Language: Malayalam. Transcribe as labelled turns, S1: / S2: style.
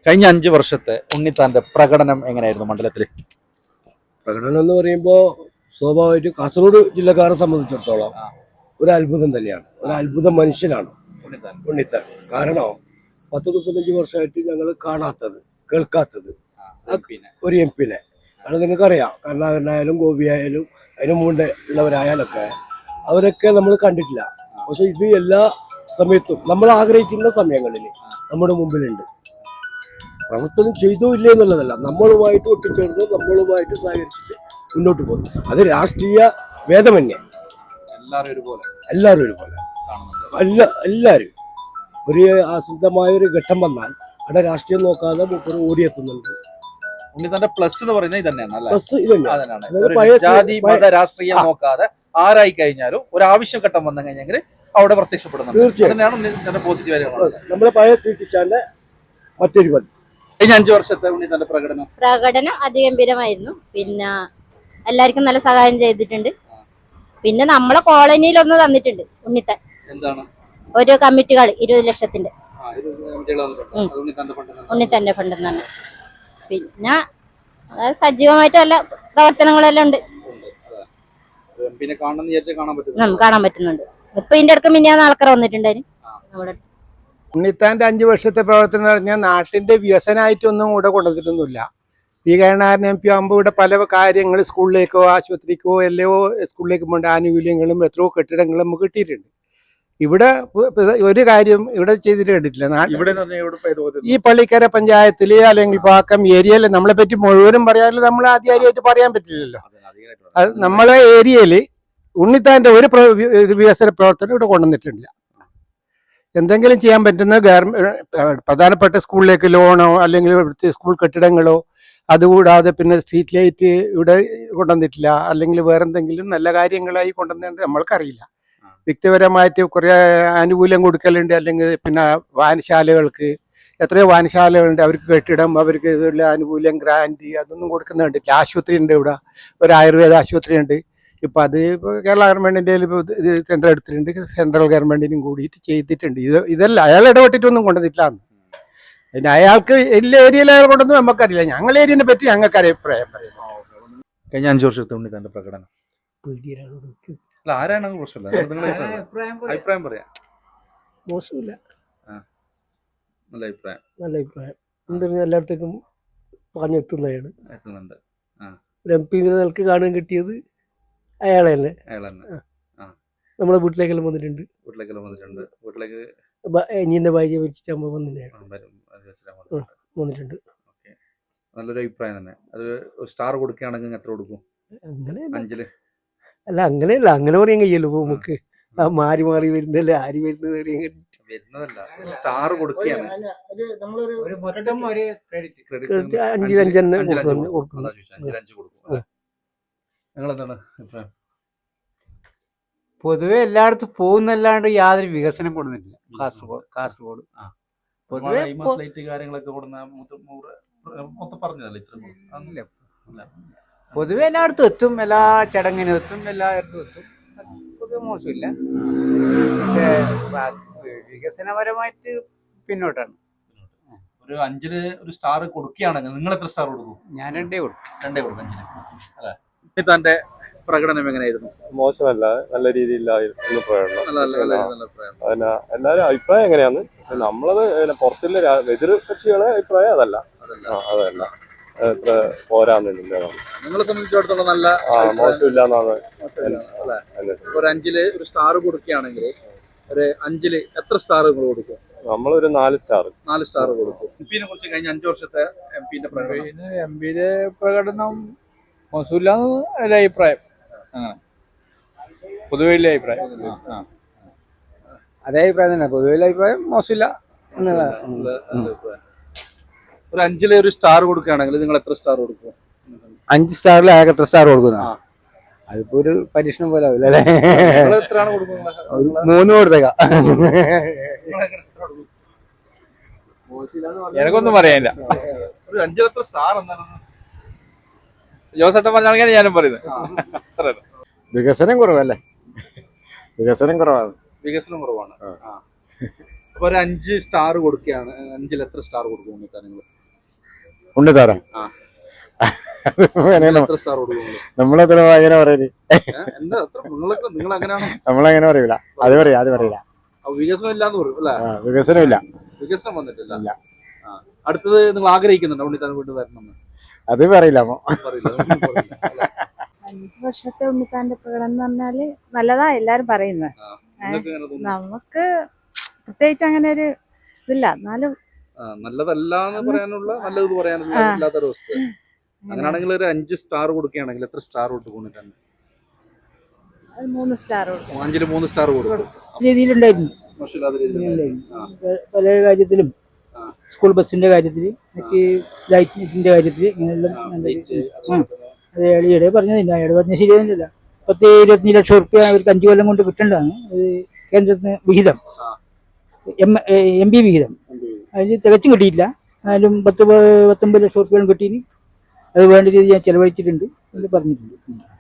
S1: കഴിഞ്ഞ 5 വർഷത്തെ ഉണ്ണിത്താന്റെ പ്രകടനം എങ്ങനെയായിരുന്നു മണ്ഡലത്തിൽ?
S2: പ്രകടനം എന്ന് പറയുമ്പോൾ സ്വാഭാവികമായിട്ട് കാസർഗോഡ് ജില്ലക്കാരെ സംബന്ധിച്ചിടത്തോളം ഒരു അത്ഭുതം തന്നെയാണ്. ഒരു അത്ഭുത മനുഷ്യനാണ് ഉണ്ണിത്താൻ. കാരണം 10-35 വർഷമായിട്ട് ഞങ്ങൾ കാണാത്തത്, കേൾക്കാത്തത് ഒരു എം പിനെ. അത് നിങ്ങൾക്കറിയാം, കരുണാകരനായാലും ഗോപിയായാലും അതിന് മുമ്പ് ഉള്ളവരായാലൊക്കെ അവരൊക്കെ നമ്മൾ കണ്ടിട്ടില്ല. പക്ഷെ ഇത് എല്ലാ സമയത്തും നമ്മൾ ആഗ്രഹിക്കുന്ന സമയങ്ങളിൽ നമ്മുടെ മുമ്പിലുണ്ട്. പ്രവർത്തനം ചെയ്തോ ഇല്ലേ എന്നുള്ളതല്ല, നമ്മളുമായിട്ട് ഒട്ടിച്ചേർന്ന് നമ്മളുമായിട്ട് സഹകരിച്ചിട്ട് മുന്നോട്ട് പോകുന്നു. അത് രാഷ്ട്രീയ ഭേദമന്യേ എല്ലാവരും ഒരുപോലെ എല്ലാവരും ഒരു ആശ്രിതമായ ഒരു ഘട്ടം വന്നാൽ അവിടെ രാഷ്ട്രീയം നോക്കാതെ മൂപ്പര് ഓടിയെത്തുന്നുണ്ട്.
S1: ഉണ്ണിത്താന്റെ പ്ലസ് എന്ന് പറയുന്നത് ഇതന്നെയാണ്.
S2: പ്ലസ്
S1: ഇതന്നെയാണ്, ജാതി മത രാഷ്ട്രീയം നോക്കാതെ ആരായി കഴിഞ്ഞാലും ഒരു ആവശ്യ ഘട്ടം വന്നു കഴിഞ്ഞെങ്കിൽ അവിടെ പ്രത്യക്ഷപ്പെടുന്നുണ്ട്. തീർച്ചയായും പോസിറ്റീവ്.
S2: നമ്മളെ പഴയ സൃഷ്ടിച്ചാന്റെ മറ്റൊരു പതി.
S1: കഴിഞ്ഞ 5 വർഷത്തെ ഉണ്ണിത്താന്റെ പ്രകടനം
S3: അതിഗംഭീരമായിരുന്നു. പിന്നെ എല്ലാവർക്കും നല്ല സഹായം ചെയ്തിട്ടുണ്ട്. പിന്നെ നമ്മളെ കോളനിയിലൊന്ന് തന്നിട്ടുണ്ട് ഉണ്ണിത്താൻ.
S1: എന്താണ്?
S3: ഓരോ കമ്മിറ്റികൾ 20 ലക്ഷത്തിന്റെ ഉണ്ണിത്താന്റെ ഫണ്ട് തന്നെ. പിന്നെ സജീവമായിട്ട് നല്ല പ്രവർത്തനങ്ങളെല്ലാം ഉണ്ട്. കാണാൻ പറ്റുന്നുണ്ട്. ഇപ്പൊ ഇതിന്റെ അടുത്ത് മിനിയാന്ന് ആൾക്കാർ വന്നിട്ടുണ്ടായിരുന്നു നമ്മുടെ.
S4: ഉണ്ണിത്താന്റെ 5 വർഷത്തെ പ്രവർത്തനം എന്ന് പറഞ്ഞാൽ നാട്ടിന്റെ വികസനമായിട്ടൊന്നും ഇവിടെ കൊണ്ടുവന്നിട്ടൊന്നുമില്ല. വികസനം എം പി ആകുമ്പോൾ ഇവിടെ പല കാര്യങ്ങൾ സ്കൂളിലേക്കോ ആശുപത്രിക്കോ എല്ലോ സ്കൂളിലേക്ക് പോകേണ്ട ആനുകൂല്യങ്ങളും എത്രയോ കെട്ടിടങ്ങളും നമുക്ക് കിട്ടിയിട്ടുണ്ട്. ഇവിടെ ഒരു കാര്യം ഇവിടെ ചെയ്തിട്ട് കണ്ടിട്ടില്ല. ഈ പള്ളിക്കര പഞ്ചായത്തിൽ അല്ലെങ്കിൽ പാക്കം ഏരിയയിൽ നമ്മളെ പറ്റി മുഴുവനും പറയാനും നമ്മൾ ആദ്യമായിട്ട് പറയാൻ പറ്റില്ലല്ലോ. അത് നമ്മളെ ഏരിയയിൽ ഉണ്ണിത്താന്റെ ഒരു വികസന പ്രവർത്തനം ഇവിടെ കൊണ്ടുവന്നിട്ടില്ല. എന്തെങ്കിലും ചെയ്യാൻ പറ്റുന്ന പ്രധാനപ്പെട്ട സ്കൂളിലേക്ക് ലോണോ അല്ലെങ്കിൽ ഇവിടുത്തെ സ്കൂൾ കെട്ടിടങ്ങളോ, അതുകൂടാതെ പിന്നെ സ്ട്രീറ്റ് ലൈറ്റ് ഇവിടെ കൊണ്ടുവന്നിട്ടില്ല. അല്ലെങ്കിൽ വേറെന്തെങ്കിലും നല്ല കാര്യങ്ങളായി കൊണ്ടുവന്നിട്ട് നമ്മൾക്കറിയില്ല. വ്യക്തിപരമായിട്ട് കുറേ ആനുകൂല്യം കൊടുക്കലുണ്ട്. അല്ലെങ്കിൽ പിന്നെ വായനശാലകൾക്ക് എത്രയോ വായനശാലകളുണ്ട്, അവർക്ക് കെട്ടിടം, അവർക്ക് ഇതുള്ള ആനുകൂല്യം, ഗ്രാൻഡ് അതൊന്നും കൊടുക്കുന്നുണ്ട്. ആശുപത്രി ഉണ്ട്, ഇവിടെ ഒരു ആയുർവേദ ആശുപത്രി ഉണ്ട്. ഇപ്പം അത് കേരള ഗവൺമെൻറ്റിൻ്റെ ഇത് സെൻട്രൽ എടുത്തിട്ടുണ്ട്, സെൻട്രൽ ഗവൺമെൻറ്റിനും കൂടിയിട്ട് ചെയ്തിട്ടുണ്ട്. ഇതെല്ലാം അയാൾ ഇടപെട്ടിട്ടൊന്നും കൊണ്ടുവന്നിട്ടില്ല. പിന്നെ അയാൾക്ക് എല്ലാ ഏരിയയിൽ അയാൾ കൊണ്ടൊന്നും നമുക്കറിയില്ല. ഞങ്ങളുടെ ഏരിയനെ പറ്റി ഞങ്ങൾക്ക് അഭിപ്രായം പറയാം.
S1: കഴിഞ്ഞ 5 വർഷത്തെ ഉണ്ണിത്താന്റെ പ്രകടനം ആരാണ് പ്രശ്നമില്ല, അഭിപ്രായം പറയാം.
S2: മോശമില്ല,
S1: നല്ല അഭിപ്രായം.
S2: എന്താ എല്ലായിടത്തേക്കും പറഞ്ഞെത്തുന്നതാണ്. ഒരു എം പി നിലക്ക് കാണാൻ കിട്ടിയത് അയാളെ തന്നെ. നമ്മളെ വീട്ടിലേക്കെല്ലാം വന്നിട്ടുണ്ട്. വീട്ടിലേക്ക് ഇനിന്റെ ഭാര്യ വെച്ചിട്ടാകുമ്പോ വന്നിട്ടുണ്ട്.
S1: നല്ലൊരു അഭിപ്രായം തന്നെ. അത് സ്റ്റാർ കൊടുക്കുകയാണെങ്കിൽ എത്ര കൊടുക്കും?
S2: അങ്ങനെയല്ല, അങ്ങനെ പറയാൻ കഴിയല്ലോ നമുക്ക്. മാറി മാറി വരുന്നല്ലേ, ആര് വരുന്നതല്ല,
S1: സ്റ്റാർ കൊടുക്കുകയാണ്.
S2: 5 കൊടുക്കും.
S1: നിങ്ങളെന്താണ് അഭിപ്രായം?
S5: പൊതുവെ എല്ലായിടത്തും പോകുന്നല്ലാണ്ട് യാതൊരു വികസനം കൊടുക്കുന്നില്ല കാസർഗോഡ്. പൊതുവെ എല്ലായിടത്തും എത്തും, എല്ലാ ചടങ്ങിനും എത്തും, എല്ലായിടത്തും എത്തും. പൊതുവെ മോശമില്ല. പക്ഷേ വികസനപരമായിട്ട് പിന്നോട്ടാണ്.
S1: ഒരു 5 ഒരു സ്റ്റാർ കൊടുക്കുകയാണെങ്കിൽ നിങ്ങൾ എത്ര സ്റ്റാർ കൊടുക്കും?
S5: ഞാൻ 2 കൊടുക്കും.
S1: 5 അല്ലേ? ഉണ്ണിത്താന്റെ പ്രകടനം എങ്ങനെയായിരുന്നു?
S6: മോശമല്ല, നല്ല രീതിയിലായിരുന്നു പ്രകടനം. എല്ലാവരും അഭിപ്രായം എങ്ങനെയാന്ന് നമ്മളത് പുറത്തുള്ള എതിർ കക്ഷികളെ അഭിപ്രായം അതല്ല. എത്ര പോരാന്നില്ല.
S1: നിങ്ങളെ സംബന്ധിച്ചിടത്തോളം നല്ല
S6: മോശമില്ല എന്നാണ്.
S1: ഒരു 5 ഒരു സ്റ്റാർ കൊടുക്കുകയാണെങ്കിൽ ഒരു 5 എത്ര സ്റ്റാർ കൊടുക്കും?
S6: നമ്മളൊരു 4 സ്റ്റാർ.
S1: 4 സ്റ്റാർ കൊടുക്കും. എംപിനെ കുറിച്ച് കഴിഞ്ഞ 5 വർഷത്തെ എംപിന്റെ
S5: പ്രകടനം മോശമില്ലാന്ന് എൻ്റെ അഭിപ്രായം. പൊതുവെ അഭിപ്രായം അതേ അഭിപ്രായം തന്നെ. പൊതുവെ അഭിപ്രായം മോശമില്ല.
S1: ഒരു 5 ഒരു സ്റ്റാർ കൊടുക്കുകയാണെങ്കിൽ നിങ്ങൾ എത്ര സ്റ്റാർ കൊടുക്കും?
S5: 5 സ്റ്റാറിൽ ആകെ എത്ര സ്റ്റാർ കൊടുക്കുന്ന? അതിപ്പോ ഒരു പരീക്ഷണം പോലെ ആവില്ല അല്ലേ?
S1: എത്രയാണ് കൊടുക്കുന്നത്?
S5: 3 കൊടുത്തേക്ക. എനിക്കൊന്നും പറയാനില്ല.
S1: ഒരു 5 എത്ര സ്റ്റാർ എന്താണ്
S5: ജോസേട്ടൻ പറഞ്ഞാൽ ഞാനും പറയുന്നത്. വികസനം കുറവല്ലേ? വികസനം കുറവാണ്.
S1: വികസനം കുറവാണ്. അപ്പൊ ഒരു 5 സ്റ്റാർ കൊടുക്കുകയാണ്. 5 എത്ര സ്റ്റാർ കൊടുക്കും?
S7: ഉണ്ണിത്താരം
S1: ആ.
S7: അങ്ങനെയാണോ
S1: എത്ര സ്റ്റാർ കൊടുക്കും
S7: നമ്മളെത്ര അങ്ങനെ പറയല്
S1: എന്താ നിങ്ങൾ അങ്ങനെയാണോ
S7: നമ്മളങ്ങനെ പറയൂല അത് പറയില്ല
S1: വികസനം ഇല്ലാന്ന് പറയും അല്ലെ?
S7: വികസനമില്ല
S1: വികസനം വന്നിട്ടില്ല.
S7: ഇല്ല.
S1: അടുത്തത് നിങ്ങൾ ആഗ്രഹിക്കുന്നുണ്ടോ ഉണ്ണിത്താൻ വീണ്ടും വരണം
S7: അത് പറയില്ല
S1: പറയില്ല അതൊന്നും പറയില്ല, അല്ലേ?
S8: 5 വർഷത്തെ ഉണ്ണിത്താന്റെ പ്രകടനം എന്ന് പറഞ്ഞാല് നല്ലതാ എല്ലാരും പറയുന്നത്.
S1: നിങ്ങൾക്ക് എങ്ങനെ തോന്നുന്നു?
S8: നമുക്ക് പ്രത്യേകിച്ച് അങ്ങനെ ഒരു ഇതില്ല, എന്നാലും
S1: നല്ലതല്ല എന്ന് പറയാനുള്ള നല്ലത് പറയാനുള്ള ഇല്ലാത്തൊരവസ്ഥ. അങ്ങനെയാണെങ്കിൽ ഒരു 5 സ്റ്റാർ കൊടുക്കുകയാണെങ്കിൽ എത്ര സ്റ്റാർ കൊടുക്കും ഉണ്ണിത്താൻ?
S8: 3 സ്റ്റാർ കൊടുക്കും.
S1: 5-ൽ 3 സ്റ്റാർ കൊടുക്കും.
S9: രീതിയിലുണ്ടായിരുന്നു.
S1: മോശമില്ലാത്ത രീതിയിലുണ്ടായിരുന്നു.
S9: പല കാര്യത്തിലും സ്കൂൾ ബസ്സിന്റെ കാര്യത്തിൽ മറ്റ് ലൈറ്റിന്റെ കാര്യത്തിൽ ഇങ്ങനെയെല്ലാം അത് അയാളെ പറഞ്ഞതില്ല. അയാൾ പറഞ്ഞ ശരിയൊന്നുമില്ല. 10-25 ലക്ഷം റുപ്യ അവർക്ക് 5 കൊല്ലം കൊണ്ട് കിട്ടേണ്ടതാണ്. അത് കേന്ദ്രത്തിന് വിഹിതം, MP വിഹിതം. അതിൽ തികച്ചും കിട്ടിയില്ല. എന്നാലും 10-19 ലക്ഷം റുപ്യോളം കിട്ടീന്. അത് വേണ്ട രീതിയിൽ ഞാൻ ചെലവഴിച്ചിട്ടുണ്ട് എന്ന് പറഞ്ഞിട്ടുണ്ട്.